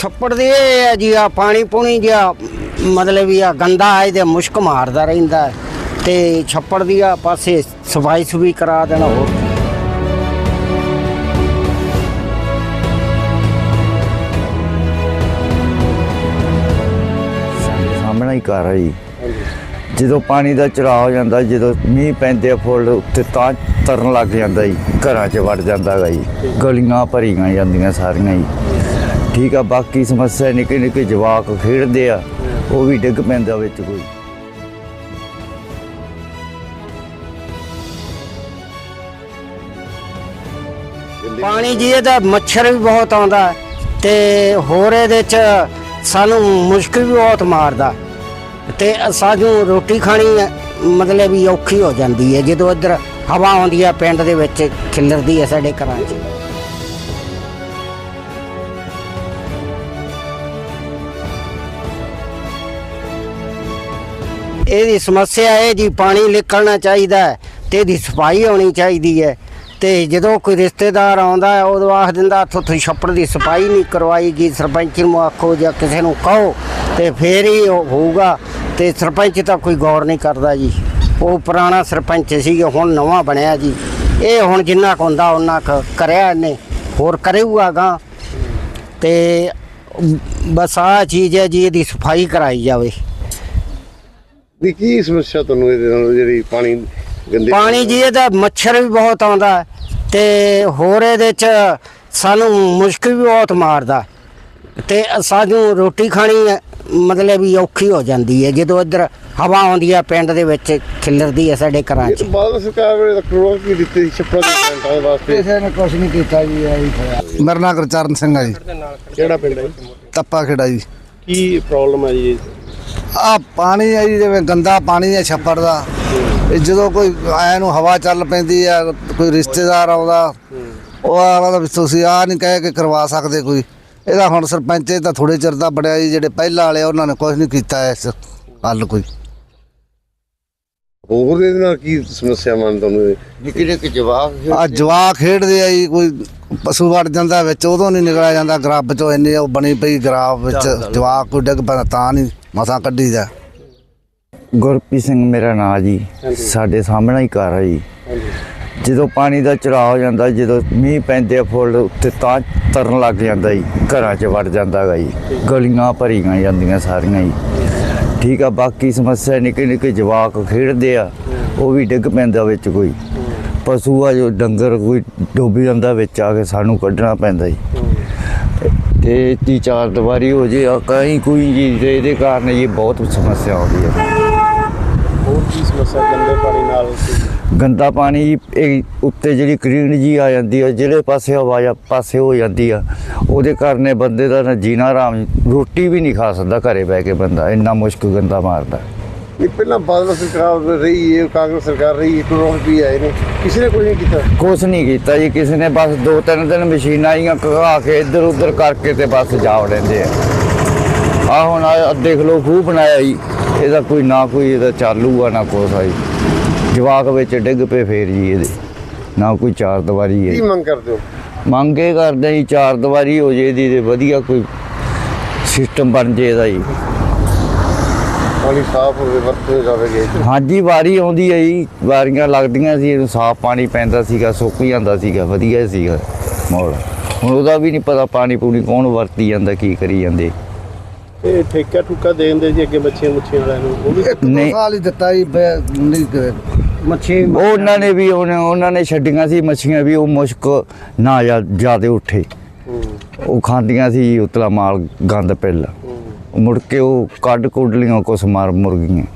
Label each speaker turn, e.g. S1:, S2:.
S1: ਛੱਪੜ ਦੇ ਇਹ ਹੈ ਜੀ ਆ ਪਾਣੀ ਪੂਣੀ ਜਿਹਾ ਮਤਲਬ ਵੀ ਆ ਗੰਦਾ ਹੈ ਤੇ ਮੁਸ਼ਕ ਮਾਰਦਾ ਰਹਿੰਦਾ ਤੇ ਛੱਪੜ ਦੀ ਆ ਪਾਸੇ ਸਫਾਈ ਸੁਵੀ ਕਰਾ ਦੇਣਾ ਹੋਰ
S2: ਸਾਹਮਣਾ ਹੀ ਘਰ ਹੈ ਜੀ। ਜਦੋਂ ਪਾਣੀ ਦਾ ਚੜਾਅ ਹੋ ਜਾਂਦਾ, ਜਦੋਂ ਮੀਂਹ ਪੈਂਦੇ ਆ ਫੁੱਲ ਉੱਤੇ ਤਾਂ ਤਰਨ ਲੱਗ ਜਾਂਦਾ ਜੀ, ਘਰਾਂ 'ਚ ਵੜ ਜਾਂਦਾ ਗਾ ਜੀ, ਗਲੀਆਂ ਭਰੀਆਂ ਜਾਂਦੀਆਂ ਸਾਰੀਆਂ ਜੀ। ਠੀਕ ਆ, ਬਾਕੀ ਸਮੱਸਿਆ ਨਿੱਕੇ ਨਿੱਕੇ ਜਵਾਕ ਖੇਡਦੇ ਆ, ਉਹ ਵੀ ਡਿੱਗ ਪੈਂਦਾ ਵਿੱਚ ਕੋਈ।
S1: ਪਾਣੀ ਜੀ ਇਹਦਾ ਮੱਛਰ ਵੀ ਬਹੁਤ ਆਉਂਦਾ ਤੇ ਹੋਰ ਇਹਦੇ 'ਚ ਸਾਨੂੰ ਮੁਸ਼ਕ ਵੀ ਬਹੁਤ ਮਾਰਦਾ ਤੇ ਸਾਨੂੰ ਰੋਟੀ ਖਾਣੀ ਮਤਲਬ ਵੀ ਔਖੀ ਹੋ ਜਾਂਦੀ ਹੈ ਜਦੋਂ ਇੱਧਰ ਹਵਾ ਆਉਂਦੀ ਹੈ ਪਿੰਡ ਦੇ ਵਿੱਚ ਖਿਲਰਦੀ ਹੈ ਸਾਡੇ ਘਰਾਂ 'ਚ। ਇਹਦੀ ਸਮੱਸਿਆ ਇਹ ਜੀ ਪਾਣੀ ਨਿਕਲਣਾ ਚਾਹੀਦਾ ਤੇ ਇਹਦੀ ਸਫਾਈ ਹੋਣੀ ਚਾਹੀਦੀ ਹੈ ਤੇ ਜਦੋਂ ਕੋਈ ਰਿਸ਼ਤੇਦਾਰ ਆਉਂਦਾ ਹੈ ਉਦੋਂ ਆਖ ਦਿੰਦਾ ਤੁਸੀਂ ਛੱਪੜ ਦੀ ਸਫਾਈ ਨਹੀਂ ਕਰਵਾਈ ਗਈ, ਸਰਪੰਚ ਨੂੰ ਆਖੋ ਜਾਂ ਕਿਸੇ ਨੂੰ ਕਹੋ ਤੇ ਫੇਰ ਹੀ ਹੋਊਗਾ। ਤੇ ਸਰਪੰਚ ਤਾਂ ਕੋਈ ਗੌਰ ਨਹੀਂ ਕਰਦਾ ਜੀ, ਉਹ ਪੁਰਾਣਾ ਸਰਪੰਚ ਸੀ, ਹੁਣ ਨਵਾਂ ਬਣਿਆ ਜੀ। ਇਹ ਹੁਣ ਜਿੰਨਾ ਕੁ ਹੁੰਦਾ ਉਹਨਾਂ ਕੁ ਕਰਿਆ ਇਹਨੇ, ਹੋਰ ਕਰੇਗਾ ਗਾ ਤੇ ਬਸ ਆਹ ਚੀਜ਼ ਹੈ ਜੀ, ਇਹਦੀ ਸਫਾਈ ਕਰਾਈ ਜਾਵੇ।
S3: ਦੀ ਕੀ ਸਮੱਸਿਆ ਤੁਹਾਨੂੰ ਇਹਦੇ ਨਾਲ ਜਿਹੜੀ ਪਾਣੀ ਗੰਦੇ
S1: ਪਾਣੀ ਜੀ ਇਹਦਾ ਮੱਛਰ ਵੀ ਬਹੁਤ ਆਉਂਦਾ ਤੇ ਹੋਰ ਇਹਦੇ 'ਚ ਸਾਨੂੰ ਮੁਸ਼ਕ ਵੀ ਬਹੁਤ ਮਾਰਦਾ ਤੇ ਸਾਨੂੰ ਰੋਟੀ ਖਾਣੀ ਮਤਲਬ ਵੀ ਔਖੀ ਹੋ ਜਾਂਦੀ ਹੈ ਜਦੋਂ ਇੱਧਰ ਹਵਾ ਆਉਂਦੀ ਹੈ ਪਿੰਡ ਦੇ ਵਿੱਚ ਖਿਲਰਦੀ ਹੈ ਸਾਡੇ ਘਰਾਂ 'ਚ।
S3: ਬਾਦਲ ਸਰਕਾਰ ਵੇਲੇ ਕਰੋੜ ਕੀ ਦਿੱਤੀ ਛੱਪੜਾਂ ਦੇ ਪਲਾਂਟਾਂ ਦੇ ਵਾਸਤੇ?
S1: ਕਿਸੇ ਨੇ ਕੁਛ ਨਹੀਂ ਕੀਤਾ ਜੀ।
S4: ਮੇਰਾ ਨਾਂ ਗੁਰਚਰਨ ਸਿੰਘ ਆ ਜੀ।
S3: ਕਿਹੜਾ ਪਿੰਡ ਹੈ ਜੀ?
S4: ਤੱਪਾ ਖੇੜਾ ਜੀ।
S3: ਕੀ ਪ੍ਰੋਬਲਮ ਹੈ ਜੀ?
S4: ਆ ਪਾਣੀ ਹੈ ਜੀ, ਜਿਵੇਂ ਗੰਦਾ ਪਾਣੀ ਹੈ ਛੱਪੜ ਦਾ। ਇਹ ਜਦੋਂ ਕੋਈ ਆਇਆ ਨੂੰ ਹਵਾ ਚੱਲ ਪੈਂਦੀ ਆ, ਕੋਈ ਰਿਸ਼ਤੇਦਾਰ ਆਉਂਦਾ, ਉਹ ਆਲਾ ਵੀ ਤੁਸੀਂ ਆ ਨਹੀਂ ਕਹਿ ਕੇ ਕਰਵਾ ਸਕਦੇ ਕੋਈ। ਇਹਦਾ ਹੁਣ ਸਰਪੰਚ ਇਹ ਤਾਂ ਥੋੜੇ ਚਿਰ ਦਾ ਬੜਿਆ ਜੀ, ਜਿਹੜੇ ਪਹਿਲਾਂ ਵਾਲੇ ਉਹਨਾਂ ਨੇ ਕੁਝ ਨਹੀਂ ਕੀਤਾ ਇਸ ਹੱਲ ਕੋਈ।
S3: ਹੋਰ ਇਹਦੇ ਨਾਲ ਕੀ ਸਮੱਸਿਆ ਮੰਨ ਤੁਹਾਨੂੰ?
S2: ਨਿੱਕੇ ਨਿੱਕੇ ਜਵਾਕ
S4: ਆ ਜਵਾਕ ਖੇਡਦੇ ਆ ਜੀ, ਕੋਈ ਪਸ਼ੂ ਵੜ ਜਾਂਦਾ ਵਿੱਚ, ਉਦੋਂ ਨਹੀਂ ਨਿਕਲਿਆ ਜਾਂਦਾ ਗਰਾਬ ਚੋਂ। ਇੰਨੀ ਉਹ ਬਣੀ ਪਈ ਗਰਾਬ ਵਿੱਚ, ਜਵਾਕ ਕੋਈ ਡਿੱਗ ਪੈਂਦਾ ਤਾਂ ਨਹੀਂ ਮਸਾਂ ਕੱਢੀਦਾ।
S2: ਗੁਰਪ੍ਰੀਤ ਸਿੰਘ ਮੇਰਾ ਨਾਂ ਜੀ। ਸਾਡੇ ਸਾਹਮਣਾ ਹੀ ਘਰ ਹੈ ਜੀ। ਜਦੋਂ ਪਾਣੀ ਦਾ ਚੜਾਅ ਹੋ ਜਾਂਦਾ, ਜਦੋਂ ਮੀਂਹ ਪੈਂਦੇ ਆ ਫੁੱਲ ਉੱਤੇ ਤਾਂ ਤਰਨ ਲੱਗ ਜਾਂਦਾ ਜੀ, ਘਰਾਂ 'ਚ ਵੜ ਜਾਂਦਾ ਗਾ ਜੀ, ਗਲੀਆਂ ਭਰੀਆਂ ਜਾਂਦੀਆਂ ਸਾਰੀਆਂ ਜੀ। ਠੀਕ ਆ, ਬਾਕੀ ਸਮੱਸਿਆ ਨਿੱਕੇ ਨਿੱਕੇ ਜਵਾਕ ਖੇਡਦੇ ਆ, ਉਹ ਵੀ ਡਿੱਗ ਪੈਂਦਾ ਵਿੱਚ ਕੋਈ। ਪਸ਼ੂ ਆ ਜੋ ਡੰਗਰ ਕੋਈ ਡੁੱਬ ਜਾਂਦਾ ਵਿੱਚ ਆ ਕੇ, ਸਾਨੂੰ ਕੱਢਣਾ ਪੈਂਦਾ ਜੀ। ਤੇ 3-4 ਦੀਵਾਰੀ ਹੋ ਜੇ ਕहीं ਕੋਈ ਜੀ, ਇਹਦੇ ਕਾਰਨ ਇਹ ਬਹੁਤ ਸਮੱਸਿਆ ਆਉਂਦੀ ਹੈ।
S3: ਹੋਰ ਕੀ ਸਮੱਸਿਆ ਗੰਦੇ ਪਾਣੀ ਨਾਲ?
S2: ਗੰਦਾ ਪਾਣੀ ਇਹ ਉੱਤੇ ਜਿਹੜੀ ਕਰੀਨ ਜੀ ਆ ਜਾਂਦੀ ਆ, ਜਿਹੜੇ ਪਾਸੇ ਹਵਾ ਪਾਸੇ ਹੋ ਜਾਂਦੀ ਆ, ਉਹਦੇ ਕਾਰਨ ਬੰਦੇ ਦਾ ਨਾ ਜੀਣਾ ਆਰਾਮ, ਰੋਟੀ ਵੀ ਨਹੀਂ ਖਾ ਸਕਦਾ ਘਰੇ ਬਹਿ ਕੇ ਬੰਦਾ, ਇੰਨਾ ਮੁਸ਼ਕ ਗੰਦਾ ਮਾਰਦਾ।
S3: ਇਹ ਪਹਿਲਾਂ ਬਾਦਲ ਸਰਕਾਰ ਰਹੀ ਹੈ, ਕਾਂਗਰਸ ਸਰਕਾਰ ਰਹੀ, ਕਰੋੜ ਵੀ ਆਏ ਨੇ, ਕਿਸੇ ਨੇ ਕੁਝ ਨਹੀਂ ਕੀਤਾ?
S2: ਕੁਛ ਨਹੀਂ ਕੀਤਾ ਜੀ ਕਿਸੇ ਨੇ, ਬਸ 2-3 ਦਿਨ ਮਸ਼ੀਨਾਂ ਆਈਆਂ ਘਾ ਕੇ ਇੱਧਰ ਉੱਧਰ ਕਰਕੇ ਤੇ ਬਸ ਜਾ ਵੜਦੇ ਆ। ਹੁਣ ਦੇਖ ਲਓ ਖੂਹ ਬਣਾਇਆ ਜੀ, ਇਹਦਾ ਕੋਈ ਨਾ ਕੋਈ ਇਹਦਾ ਚਾਲੂ ਆ ਨਾ ਕੁਛ ਆ ਜੀ। ਜਵਾਕ ਵਿੱਚ ਡਿੱਗ ਪਏ ਫੇਰ ਜੀ, ਇਹਦੇ ਨਾ ਕੋਈ 4 ਦੀਵਾਰੀ ਹੈ।
S3: ਕੀ ਮੰਗ ਕਰਦੇ ਹੋ?
S2: ਮੰਗ ਇਹ ਕਰਦੇ ਜੀ 4 ਦੀਵਾਰੀ ਹੋ ਜੇ ਇਹਦੀ, ਤੇ ਵਧੀਆ ਕੋਈ ਸਿਸਟਮ ਬਣ ਜੇ ਇਹਦਾ ਜੀ।
S3: ਪਾਣੀ ਸਾਫ਼ ਹੋਵੇ, ਵਰਤੇ ਜਾਵੇਗੇ।
S2: ਹਾਂਜੀ, ਵਾਰੀ ਆਉਂਦੀ ਹੈ ਜੀ, ਵਾਰੀਆਂ ਲੱਗਦੀਆਂ ਸੀ, ਇਹਨੂੰ ਸਾਫ਼ ਪਾਣੀ ਪੈਂਦਾ ਸੀਗਾ, ਸੁੱਕ ਜਾਂਦਾ ਸੀਗਾ, ਵਧੀਆ ਸੀਗਾ ਮਾਹੌਲ। ਹੁਣ ਉਹਦਾ ਵੀ ਨਹੀਂ ਪਤਾ, ਪਾਣੀ ਪੂਣੀ ਕੌਣ ਵਰਤੀ ਜਾਂਦਾ, ਕੀ ਕਰੀ ਜਾਂਦੇ।
S3: ਇਹ ਠੇਕਾ ਠੁਕਾ ਦੇ ਦਿੰਦੇ ਜੀ ਅੱਗੇ ਮੱਛੀਆਂ ਵਾਲਿਆਂ ਨੂੰ, ਉਹ ਵੀ
S2: ਨਹੀਂ
S4: ਸਾਲ ਹੀ ਦਿੱਤਾ ਜੀ, ਨਹੀਂ
S1: ਮੱਛੀ
S2: ਉਹਨਾਂ ਨੇ ਵੀ ਉਹਨਾਂ ਨੇ ਛੱਡੀਆਂ ਸੀ ਮੱਛੀਆਂ ਵੀ, ਉਹ ਮੁਸ਼ਕ ਨਾ ਜ਼ਿਆਦਾ ਉੱਠੇ, ਉਹ ਖਾਂਦੀਆਂ ਸੀ ਉਤਲਾ ਮਾਲ ਗੰਦ ਪਹਿਲਾਂ, ਮੁੜ ਕੇ ਉਹ ਕੱਢ ਕੁੱਢ ਲੀਆਂ ਕੁਛ ਮਾਰ ਮੁਰਗੀਆਂ।